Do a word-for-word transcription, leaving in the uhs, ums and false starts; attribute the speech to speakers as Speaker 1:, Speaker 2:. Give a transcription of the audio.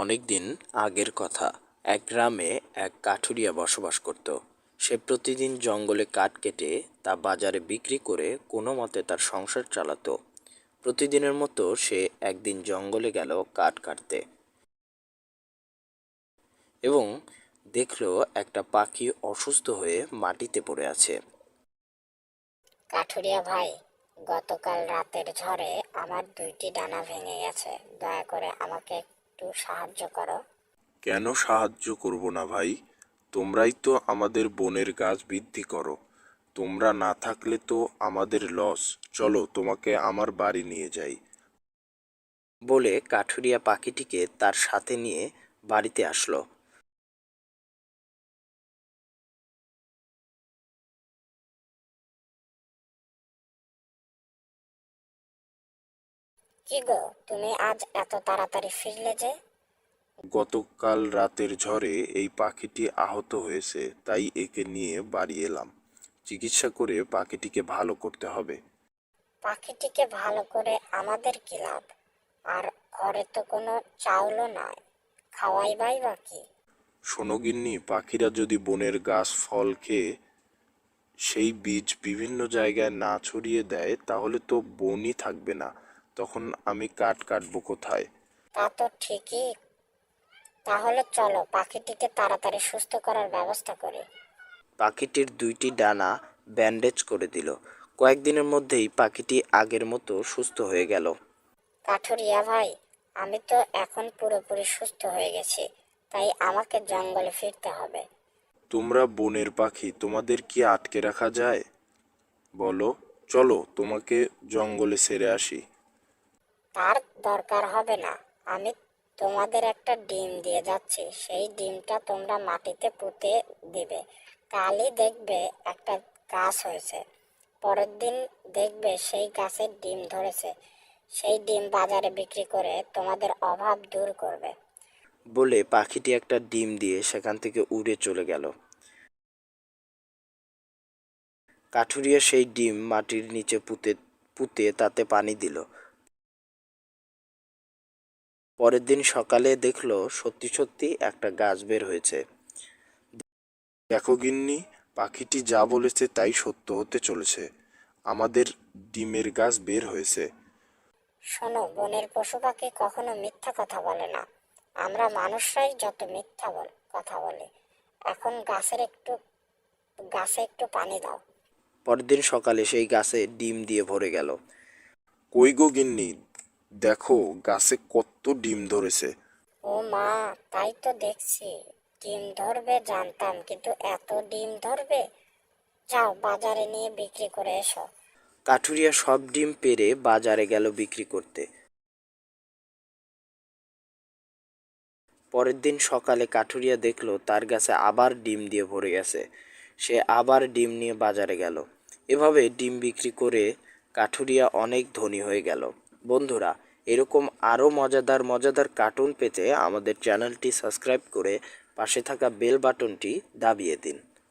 Speaker 1: অনেক দিন আগের কথা। এক গ্রামে এক কাঠুরিয়া বসবাস করত। সে প্রতিদিন জঙ্গলে কাঠ কেটে তা বাজারে বিক্রি করে কোনো মতে তার সংসার চালাতো। প্রতিদিনের মতো সে একদিন জঙ্গলে গেল কাঠ কাটতে এবং দেখলো একটা পাখি অসুস্থ হয়ে মাটিতে পড়ে আছে।
Speaker 2: কাঠুরিয়া ভাই, গতকাল রাতের ঝড়ে আমার দুইটি ডানা ভেঙে গেছে। দয়া করে আমাকে একটু সাহায্য করো।
Speaker 3: কেন সাহায্য করব না ভাই? তোমরাই তো আমাদের বনের গাছ বৃদ্ধি করো। তোমরা না থাকলে তো আমাদের লস। চলো তোমাকে আমার বাড়ি নিয়ে যাই।
Speaker 1: বলে কাঠুরিয়া পাখিটিকে তার সাথে নিয়ে বাড়িতে আসলো।
Speaker 2: কি গো, তুমি আজ এত তাড়াতাড়ি ফিরলে যে?
Speaker 3: গতকাল রাতের ঝড়ে এই পাখিটি আহত হয়েছে, তাই একে নিয়ে বাড়ি এলাম। চিকিৎসা করে পাখিটিকে ভালো করতে হবে।
Speaker 2: পাখিটিকে ভালো করে আমাদের কি লাভ? আর ঘরে তো কোনো চাউলও নাই, খাওয়াইবাই বা কি?
Speaker 3: শোনো গিন্নি, পাখিরা যদি বনের গাছ ফল খেয়ে সেই বীজ বিভিন্ন জায়গায় না ছড়িয়ে দেয় তাহলে তো বনই থাকবে না। তখন আমি কাঠ কাটবো কোথায়?
Speaker 2: তা তো ঠিকই। তাহলে চলো পাখিটিকে তাড়াতাড়ি সুস্থ করার ব্যবস্থা করি।
Speaker 1: পাখিটির দুইটি ডানা ব্যান্ডেজ করে দিল। কয়েকদিনের মধ্যেই পাখিটি আগের মতো সুস্থ হয়ে গেল।
Speaker 2: কাঠুরিয়া ভাই, আমি তো এখন পুরোপুরি সুস্থ হয়ে গেছি, তাই আমাকে জঙ্গলে ফিরতে হবে।
Speaker 3: তোমরা বনের পাখি, তোমাদের কি আটকে রাখা যায় বলো? চলো তোমাকে জঙ্গলে ছেড়ে আসি।
Speaker 2: তার দরকার হবে না। আমি তোমাদের একটা ডিম দিয়ে যাচ্ছি, সেই ডিমটা তোমরা মাটিতে পুঁতে দিবে। কালই দেখবে একটা গাছ হয়েছে। পরের দিন দেখবে সেই গাছের ডিম ধরেছে। সেই ডিম বাজারে বিক্রি করে তোমাদের অভাব দূর করবে।
Speaker 1: বলে পাখিটি একটা ডিম দিয়ে সেখান থেকে উড়ে চলে গেল। কাঠুরিয়া সেই ডিম মাটির নিচে পুঁতে পুঁতে তাতে পানি দিল। পরের দিন সকালে দেখলো সত্যি সত্যি একটা গাছ বের হয়েছে।
Speaker 3: দেখো গিন্নি, পাখিটি যা বলেছে তাই সত্য হতে চলেছে। আমাদের ডিমের গাছ বের হয়েছে।
Speaker 2: শোনো, বনের পশু পাখি কখনো মিথ্যা কথা বলে না। আমরা মানুষরাই যত মিথ্যা বল কথা বলি। এখন গাছের একটু গাছে একটু পানি দাও।
Speaker 1: পরের দিন সকালে সেই গাছে ডিম দিয়ে ভরে গেল।
Speaker 3: কই গো গিন্নি, দেখো গাছে কত ডিম ধরেছে।
Speaker 2: ও মা, তাই তো দেখছি। ডিম ধরবে জানতাম, কিন্তু এত ডিম ধরবে? যাও বাজারে নিয়ে বিক্রি করে এসো।
Speaker 1: কাঠুরিয়া সব ডিম পেড়ে বাজারে গেল বিক্রি করতে। পরের দিন সকালে কাঠুরিয়া দেখলো তার গাছে আবার ডিম দিয়ে ভরে গেছে। সে আবার ডিম নিয়ে বাজারে গেল। এভাবে ডিম বিক্রি করে কাঠুরিয়া অনেক ধনী হয়ে গেল। বন্ধুরা, এরকম আরও মজাদার মজাদার কার্টুন পেতে আমাদের চ্যানেলটি সাবস্ক্রাইব করে পাশে থাকা বেল বাটনটি দাবিয়ে দিন।